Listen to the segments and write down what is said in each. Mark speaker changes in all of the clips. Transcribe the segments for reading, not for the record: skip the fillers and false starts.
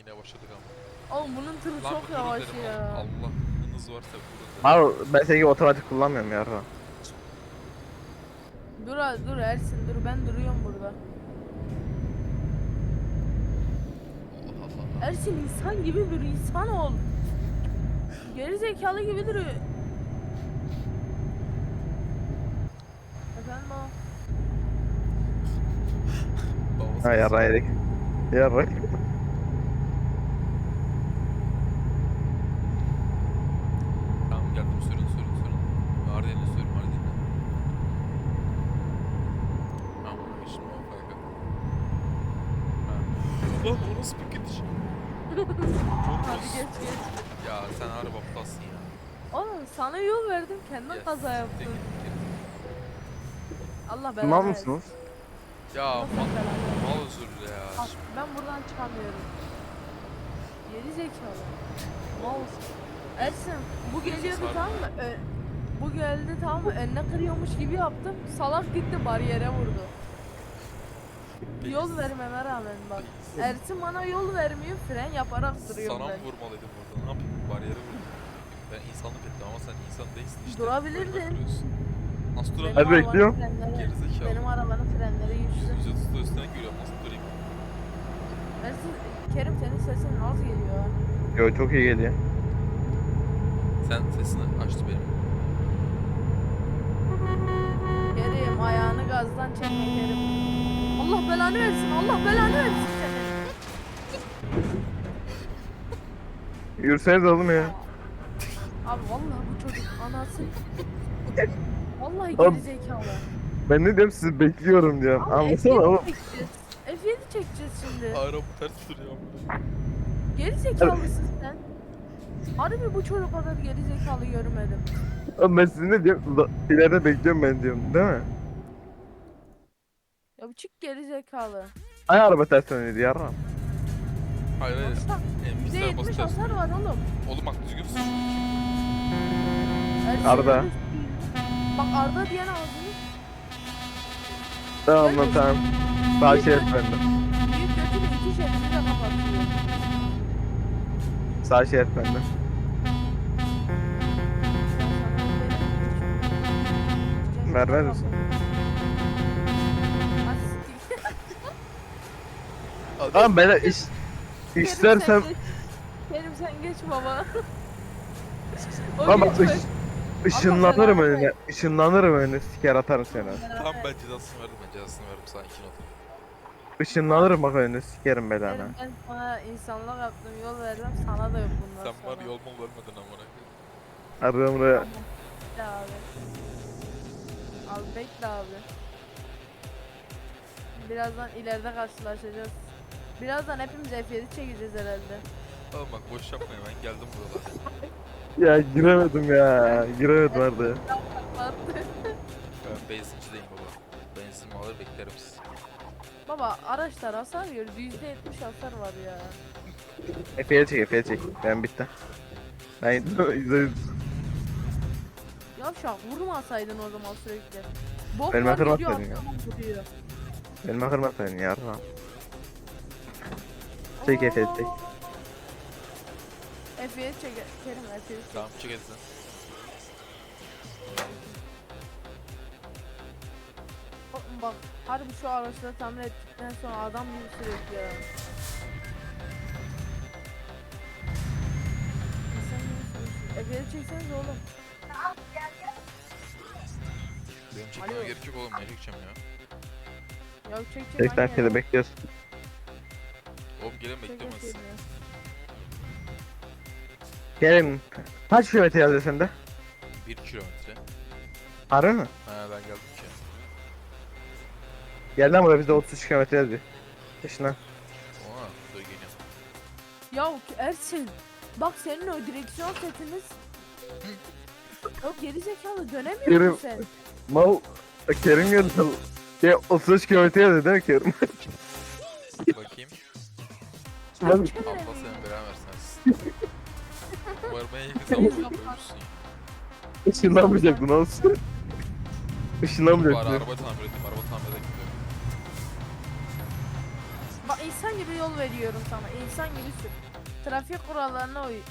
Speaker 1: Yine başladık ama.
Speaker 2: Oğlum bunun tırı
Speaker 1: Lan
Speaker 2: çok
Speaker 1: bir durun
Speaker 2: yavaş
Speaker 1: dedim
Speaker 2: ya.
Speaker 1: ama. Allah hız varsa durun dedim.
Speaker 3: Abi ben senin gibi otomatik kullanmıyorum ya.
Speaker 2: Dur Ersin dur, ben duruyorum burada.
Speaker 1: Allah Allah.
Speaker 2: Ersin insan gibi dur, insan ol. Geri zekalı gibi duruyor. Efendim o.
Speaker 1: Babası
Speaker 3: Ha yarra yedik. Yarra.
Speaker 1: Tamam geldim sürün. Mardin'le sürün Mardin'le. Tamam şimdi o farkı. Ha. Lan o nasıl bir gidiş?
Speaker 2: Hadi geç.
Speaker 1: Ya sen araba aptalsın ya.
Speaker 2: Oğlum sana yol verdim, kendin
Speaker 1: Ya,
Speaker 2: kaza yaptın.
Speaker 1: siktir git.
Speaker 2: Allah
Speaker 3: Mal
Speaker 2: belanı versin.
Speaker 3: mısınız?
Speaker 1: Ya
Speaker 2: Nasıl belanı?
Speaker 1: mal özürlü ya.
Speaker 2: Bak, ben buradan çıkamıyorum. Geri zekalı. Mouse. Ersin bu geliyordu
Speaker 1: sardı.
Speaker 2: tamam mı? Bu geldi tamam mı? Önüne kırıyormuş gibi yaptım. Salak gitti bariyere vurdu. Yol vermeme rağmen bak. Ersin bana yol vermiyor, fren yaparak duruyorum
Speaker 1: Sana mı
Speaker 2: ben.
Speaker 1: vurmalıydım burada? Ne yapayım? Bariyere vurdum. Ben insanlık ettim ama sen insan değilsin işte.
Speaker 2: Durabilirdin.
Speaker 1: Önüme kırıyorsun. Nasıl
Speaker 2: Benim
Speaker 1: durabilirim?
Speaker 3: Hadi bekliyorum.
Speaker 1: Gerizekalı.
Speaker 2: Benim arabanın frenleri güçlü.
Speaker 1: Yüzü tuttu üstüne görüyorum. Nasıl durayım?
Speaker 2: Ersin, Kerim senin sesin az geliyor ha.
Speaker 3: Yo çok iyi geliyor.
Speaker 1: Sen sesini açtı benim.
Speaker 2: Kerim ayağını gazdan çekme Kerim. Allah belanı versin, Allah belanı versin seni.
Speaker 3: Yürüseniz oğlum ya.
Speaker 2: Abi vallahi bu çocuk anası. Vallahi
Speaker 3: Abi-
Speaker 2: geri zekalı.
Speaker 3: Ben ne diyorum sizi bekliyorum diyorum.
Speaker 2: Abi
Speaker 3: Anlasana
Speaker 2: F7
Speaker 3: oğlum.
Speaker 2: çekeceğiz. F7 çekeceğiz şimdi.
Speaker 1: Araba ters duruyor.
Speaker 2: Geri zekalısın sen. Harbi bu çocuk kadar geri zekalı görmedim.
Speaker 3: Oğlum ben sizi ne diyorum? İleride bekliyorum ben diyorum değil mi?
Speaker 2: Ya bu çık geri zekalı.
Speaker 3: Ay araba ters dönüyordu yarram.
Speaker 1: Hayır hayır.
Speaker 2: Baksana
Speaker 1: Bilgisayar
Speaker 2: %70
Speaker 1: basacağız.
Speaker 2: hasar var oğlum.
Speaker 1: Oğlum bak düzgün sür.
Speaker 2: Ersin
Speaker 3: Arda.
Speaker 2: öyle- Bak Arda diyen ağzını.
Speaker 3: Tamam lan tamam. Sağ şerit bende.
Speaker 2: Büyük götünü iki şerini de kapatıyor.
Speaker 3: Sağ şerit bende.
Speaker 2: Ben sana
Speaker 3: Vermez misin? Tamam ben istersem
Speaker 2: Kerim sen geç baba. O
Speaker 3: ama
Speaker 2: geçmez.
Speaker 3: ışınlanırım
Speaker 2: Allah
Speaker 3: önüne. Işınlanırım önüne. Siker atarım seni.
Speaker 1: Tamam ben cezasını verdim. Sana 2 not.
Speaker 3: Işınlanırım bak önüne. Sikerim belanı.
Speaker 2: Kerim ben sana insanlık yaptım, yol verdim, sana da yok bundan
Speaker 1: Sen
Speaker 2: sonra.
Speaker 1: var yol mu vermedin amına koyayım.
Speaker 3: Arıyorum buraya.
Speaker 2: Bekle abi. Abi bekle abi. Birazdan ileride karşılaşacağız. Birazdan hepimiz F7 çekeceğiz herhalde.
Speaker 1: Oğlum bak boş yapma ya ben geldim buralara.
Speaker 3: Ya giremedim ya. Giremedim Arda.
Speaker 1: Ben benzincideyim baba. Benzinimi alır beklerim sizi.
Speaker 2: Baba araçlar hasar yiyor. %70 hasar var ya.
Speaker 3: Efe'ye çek, Efe'ye çek. Ben bitti. Ben %100.
Speaker 2: Yavşak vurmasaydın o zaman sürekli. Bok
Speaker 3: Benim
Speaker 2: var
Speaker 3: hatırım
Speaker 2: gidiyor
Speaker 3: atmadın ya.
Speaker 2: arkadan vuruyor.
Speaker 3: Benim kırmasaydın ya. Çek Efe'ye çek.
Speaker 2: Efe'ye çek. Kerim Efe'ye çek.
Speaker 1: Tamam çık hadi sen.
Speaker 2: Oğlum bak harbi şu araçları tamir ettikten sonra adam gibi sürekli ya. İnsan gibi sürüyorsun. Efe'ye çekseniz oğlum.
Speaker 1: Benim çekmeme
Speaker 2: Alo.
Speaker 1: gerek yok oğlum ne çekeceğim ya.
Speaker 2: Ya çek
Speaker 3: 80 kere bekliyoruz.
Speaker 1: Oğlum gelin beklemez.
Speaker 3: Kerim. Kaç kilometre yazıyor sende?
Speaker 1: 1 kilometre.
Speaker 3: Harbi mi?
Speaker 1: Ha ben geldim ki.
Speaker 3: Gel lan buraya bizde 33 kilometre yazıyor. Peşinden.
Speaker 1: Oha dur geliyorum.
Speaker 2: Ya Ersin. Bak senin o direksiyon setiniz. O geri zekalı dönemiyor
Speaker 3: Kerim.
Speaker 2: musun sen?
Speaker 3: Mal. Kerim geldi. Ya 33 kilometre yazıyor değil mi Kerim?
Speaker 1: Bakayım.
Speaker 3: Ben
Speaker 1: Allah senin belanı versin. Umarım en yakın zamanda ölürsün ya.
Speaker 3: ışınlanmayacaktın olsun.
Speaker 1: Bari
Speaker 3: Işınlanmayacaktın.
Speaker 1: araba tamir edeyim. Araba tamir edeyim gidiyorum.
Speaker 2: Bak insan gibi yol veriyorum sana. İnsan gibi sür. Trafik kurallarına uy.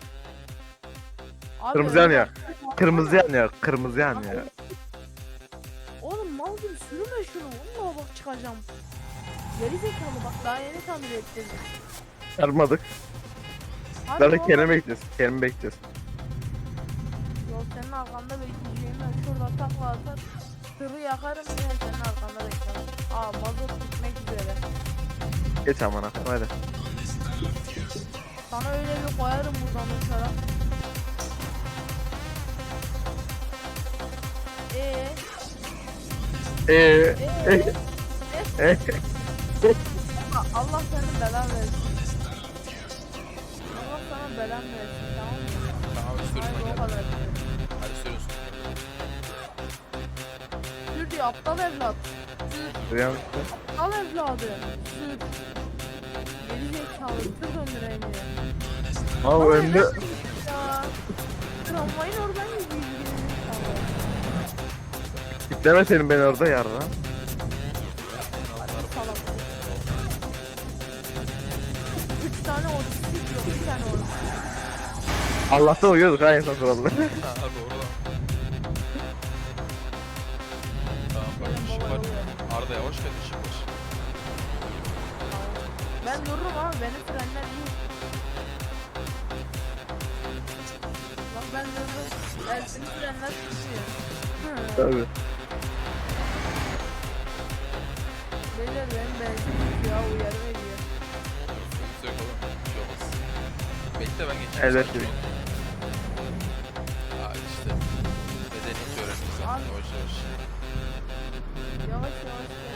Speaker 2: Abi
Speaker 3: Kırmızı
Speaker 2: öyle
Speaker 3: yanıyor.
Speaker 2: bak-
Speaker 3: Kırmızı yanıyor. Kırmızı yanıyor.
Speaker 2: Oğlum mal gibi sürme şunu. Vallahi bak çıkacağım. Geri zekalı bak daha yeni tamir ettirdim.
Speaker 3: Çarpmadık.
Speaker 2: Hadi
Speaker 3: Zaten
Speaker 2: oğlum.
Speaker 3: Kerem'i bekleyeceğiz. Kerem'i bekleyeceğiz.
Speaker 2: Yok senin arkanda bekleyeceğim ben şurada takla atar. Tırı yakarım yine senin arkanda beklemem. Aa mazot bitmek üzere.
Speaker 3: Geç amına. Hadi.
Speaker 2: Sana öyle bir koyarım buradan uçarak.
Speaker 3: Eee.
Speaker 2: Allah senin belan versin. Allah sana belan versin tamam mı?
Speaker 1: Tamam sürüme
Speaker 2: Hayır o
Speaker 1: gel.
Speaker 2: kadar.
Speaker 1: Hadi sürüyorsun.
Speaker 2: Sür diyor aptal evlat. Sür.
Speaker 3: Uyan.
Speaker 2: Al evladı. Sür. Geri zekalı tır döndüremiyor.
Speaker 3: Abi
Speaker 2: Ama
Speaker 3: önde.
Speaker 2: neden ya? Tramvayın oradan gidiyor geri zekalı.
Speaker 3: Kitleme senin beni orada yarra.
Speaker 2: Salak. 3 tane otistik yok, bir tane otistik.
Speaker 3: Allah'tan uyuyorduk ha insan kuralları.
Speaker 1: Ha doğru lan. Tamam bak
Speaker 2: Benim
Speaker 1: ışık
Speaker 2: baba
Speaker 1: var.
Speaker 2: oluyor.
Speaker 1: Arda yavaş gel ışık var.
Speaker 2: Ben dururum abi, benim frenler iyi. Bak ben dururum, Ersin'in frenler tutuyor.
Speaker 3: Tabii.
Speaker 2: Beyler benim benzin bitiyor ya, uyarı veriyor.
Speaker 1: Sıkıntı yok oğlum. Bir şey olmaz. Bekle ben geçeyim.
Speaker 3: Evet,
Speaker 1: sakin
Speaker 3: evet.
Speaker 1: ol. Aa işte. Bedeni hiç öğrendim zaten
Speaker 2: Abi.
Speaker 1: yavaş yavaş.
Speaker 2: Yavaş yavaş gel.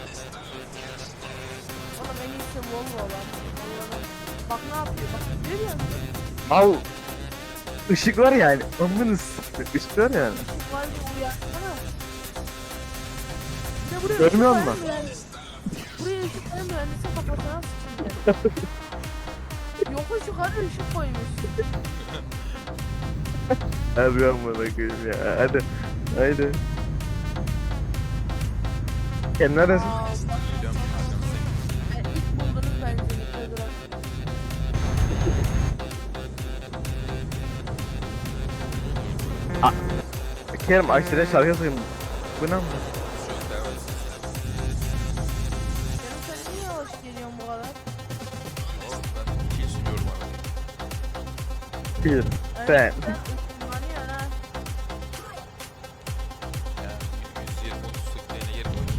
Speaker 2: Oğlum en iyisi Volvo lan. Allah'ım. Bak ne yapıyor, bak görüyor musun?
Speaker 3: Al. Işık var yani. Amınız. Işık var yani.
Speaker 2: Var bir uyarsana. Bir de buraya
Speaker 3: Görmüyor
Speaker 2: ışık
Speaker 3: musun?
Speaker 2: koyan mühendis- Buraya ışık koyan mühendisin kafasına sıçayım. Yokuş yukarı ışık koymuş.
Speaker 3: Hadi amına koyayım ya. Hadi. Haydi. Sen neredesin?
Speaker 2: Aa, bak
Speaker 1: Geliyorum arkanızdayım.
Speaker 2: ilk buldunuz benzini koydular.
Speaker 3: Kerem aşırı şarkı sayayım. Bu ne amına?
Speaker 1: Şu an devam etsin.
Speaker 2: Benim sen niye yavaş geliyorsun bu kadar?
Speaker 1: Oğlum ben iyi sürüyorum arabayı.
Speaker 3: Bir.
Speaker 2: Evet,
Speaker 3: Sen.
Speaker 2: ısınlanıyorsun ha.
Speaker 1: Yani 120 30 sıklığına yerim var.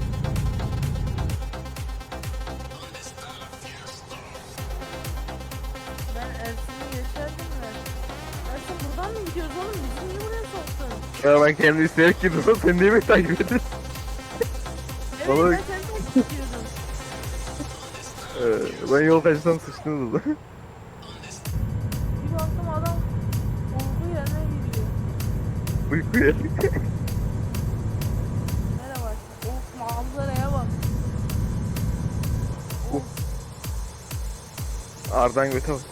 Speaker 2: Ben Ersin'i geçerdim de. Ersin buradan mı gidiyoruz oğlum? Bizi niye buraya soktun?
Speaker 3: Ya ben kendi isteyerek girdim. Sen niye beni takip ediyorsun?
Speaker 2: Evet
Speaker 3: Oğlum.
Speaker 2: ben seni takip ediyordum.
Speaker 3: Ben yol kaçsam sıçtınız da.
Speaker 2: Bir baktım adam olduğu yerine gidiyor.
Speaker 3: Uykuya.
Speaker 2: Merhaba. Of manzaraya bak.
Speaker 3: Of. Ardan göte bak.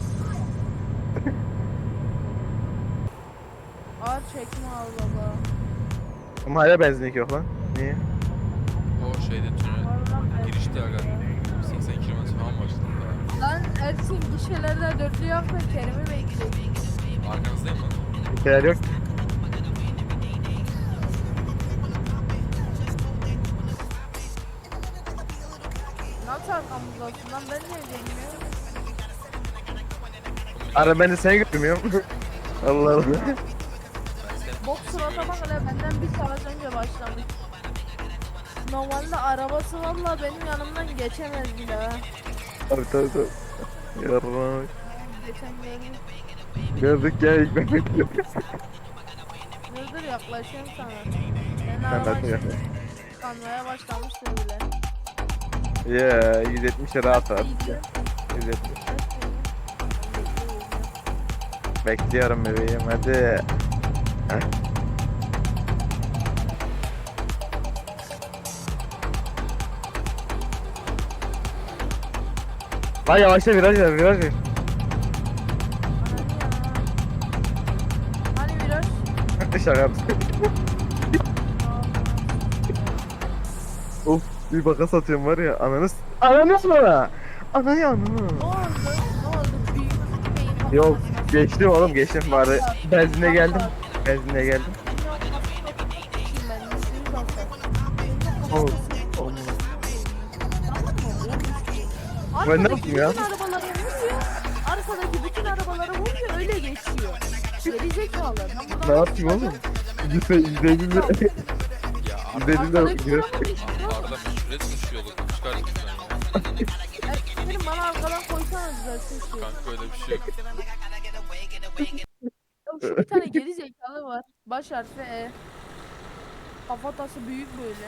Speaker 2: Ağır çekme al baba.
Speaker 3: Ama hala benzinlik yok lan. Niye?
Speaker 1: O şeyde tünel
Speaker 2: Harbiden
Speaker 1: girişte
Speaker 2: ben-
Speaker 1: aga 80 km falan başladı daha.
Speaker 2: Lan Ersin gişelerde dörtlü yapma Kerim'i bekliyor.
Speaker 1: Arkanızdayım lan.
Speaker 3: Bir şeyler yok.
Speaker 2: Nasıl arkamızdasın lan ben niye demiyorum?
Speaker 3: Ara ben de seni götürmüyorum. Allah Allah.
Speaker 1: Ben seni
Speaker 2: Bok surata bak hele benden bir saat önce başlamış. Normalde arabası valla benim yanımdan geçemez bile ha.
Speaker 3: Tabii tabii tabii. Yarrak.
Speaker 2: Geçen gördüm.
Speaker 3: Gördük ya ilk ben bekliyorum.
Speaker 2: Dur dur yaklaşıyorum sana. Ben
Speaker 3: Ben
Speaker 2: araba
Speaker 3: de yaklaşayım.
Speaker 2: kanmaya başlamıştır bile.
Speaker 3: Ya 170'e rahat rahat.
Speaker 2: İyi.
Speaker 3: 170. Bekliyorum bebeğim hadi. Heh. Lan yavaşla viraj ver viraj ver.
Speaker 2: Hani viraj?
Speaker 3: Şaka yaptım. Of bir baka satıyorum var ya ananız. Ananı sonra. Ananı ananı.
Speaker 2: Ne oldu? Ne oldu? Büyük beyin
Speaker 3: Yok
Speaker 2: patlaması.
Speaker 3: geçtim oğlum geçtim bari. Benzinle geldim. Benzinle geldim.
Speaker 2: Ben yüzünü basar.
Speaker 3: Oğlum. Oğlum. Ben ne yapayım ya?
Speaker 2: Bütün arabalara vuruyor. Arkadaki bütün arabalara vuruyor öyle geçiyor. Geri zekalı. Ben buradan
Speaker 3: Ne yapayım oğlum? %50
Speaker 1: Ya
Speaker 3: %50
Speaker 2: Arkadaki
Speaker 3: de
Speaker 2: tarafa geçiyor.
Speaker 1: Arda meşhur etmiş yolu. Çıkar lütfen ya.
Speaker 2: Benim bana arkadan koysana düzelsin şu.
Speaker 1: Kanka öyle bir şey yok.
Speaker 2: Ya şu bir tane geri zekalı var. Baş harfi E. Kafatası büyük böyle.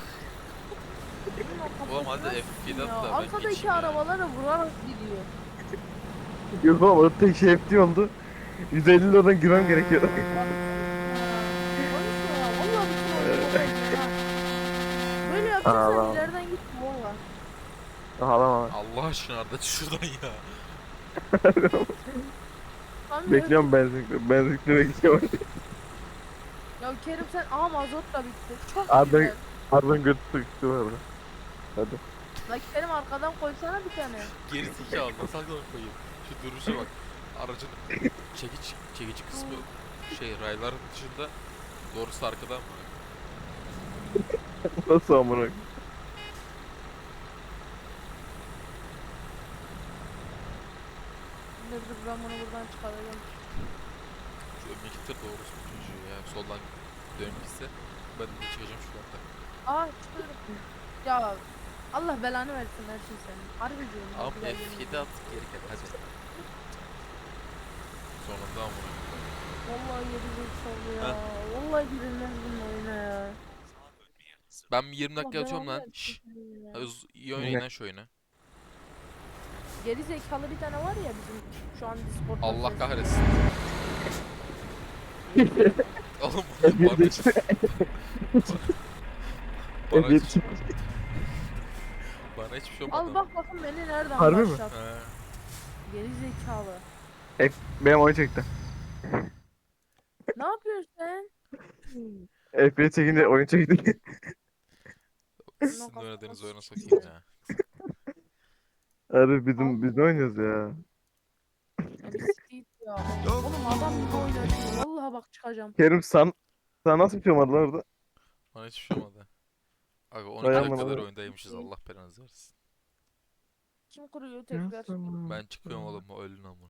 Speaker 2: Bunun o
Speaker 1: Oğlum
Speaker 2: kafası
Speaker 1: hadi
Speaker 2: nasıl
Speaker 1: F7
Speaker 2: ya?
Speaker 1: at da ben
Speaker 2: Arkadaki
Speaker 1: geçeyim ya.
Speaker 2: arabalara vurarak gidiyor.
Speaker 3: Yok oğlum o tek şey hepti oldu. 150 liradan girmem gerekiyor.
Speaker 2: Konuşma ya. Vallahi bütün oyunu bozuldu ha. Böyle yapacaksan
Speaker 3: Ağlama.
Speaker 2: ileriden git valla.
Speaker 3: Ağlama.
Speaker 1: Allah aşkına Arda çık şuradan ya.
Speaker 2: Tam
Speaker 3: Bekliyorum benzinlikle bekliyorum.
Speaker 2: Ya Kerim sen mazot da bitti. Çok
Speaker 3: Arda
Speaker 2: güzel.
Speaker 3: Arda'nın götü sıkıştı var orada. Hadi.
Speaker 2: La Kerim arkadan koysana bir tane.
Speaker 1: Geri zekalı nasıl aklına koyayım. Şu duruşa bak. Aracın çekici kısmı rayların dışında doğrusu arkadan mı?
Speaker 3: Nasıl amına?
Speaker 2: Dur ben bunu buradan çıkaracağım.
Speaker 1: Şu öndeki tır doğrusu bu çocuğu ya. Soldan dönüp gitse ben de çıkacağım şuradan da.
Speaker 2: Aa çıkıyorum. Ya Allah belanı versin her şey senin. Harbi diyorum. ya,
Speaker 1: Ama
Speaker 2: güzel yemin
Speaker 1: F7
Speaker 2: ederim.
Speaker 1: at geri gel hadi. Sonunda amına.
Speaker 2: Vallahi gelecek sol ya.
Speaker 1: Heh.
Speaker 2: Vallahi girilmez bunun oyuna ya.
Speaker 1: Ben bir 20 dakika
Speaker 2: Allah
Speaker 1: yatıyorum
Speaker 2: belanı
Speaker 1: lan.
Speaker 2: versin
Speaker 1: Şşş.
Speaker 2: senin ya.
Speaker 1: İyi oynayın lan şu oyunu.
Speaker 2: Geri zekalı bir tane var ya bizim şu an Discord'da.
Speaker 1: Allah
Speaker 2: ses-
Speaker 1: kahretsin. Oğlum
Speaker 3: F7
Speaker 1: bana
Speaker 3: işte.
Speaker 1: bana
Speaker 3: F7
Speaker 1: hiç, bana hiçbir şey olmadı.
Speaker 2: Al bak bakın beni nereden
Speaker 3: Harbi mi?
Speaker 2: başlattı.
Speaker 1: He.
Speaker 2: Geri zekalı.
Speaker 3: Benim oyun çekti.
Speaker 2: Ne yapıyorsun sen?
Speaker 3: F1 çekince oyun çekti.
Speaker 1: Sizin oynadığınız oyuna sokayım ya.
Speaker 3: Abi biz ne oynuyoruz ya?
Speaker 2: Ya bir siktir ya. Oğlum adam gibi oynatıyor. Vallahi bak çıkacağım.
Speaker 3: Kerim sana nasıl bir şey olmadı lan orada?
Speaker 1: Bana hiçbir şey olmadı. Aga 12
Speaker 3: Vay aman
Speaker 1: dakikadır
Speaker 3: Allah.
Speaker 1: oyundaymışız Allah belanızı versin.
Speaker 2: Kim kuruyor tekrar?
Speaker 1: Ben çıkıyorum oğlum o ölün ama.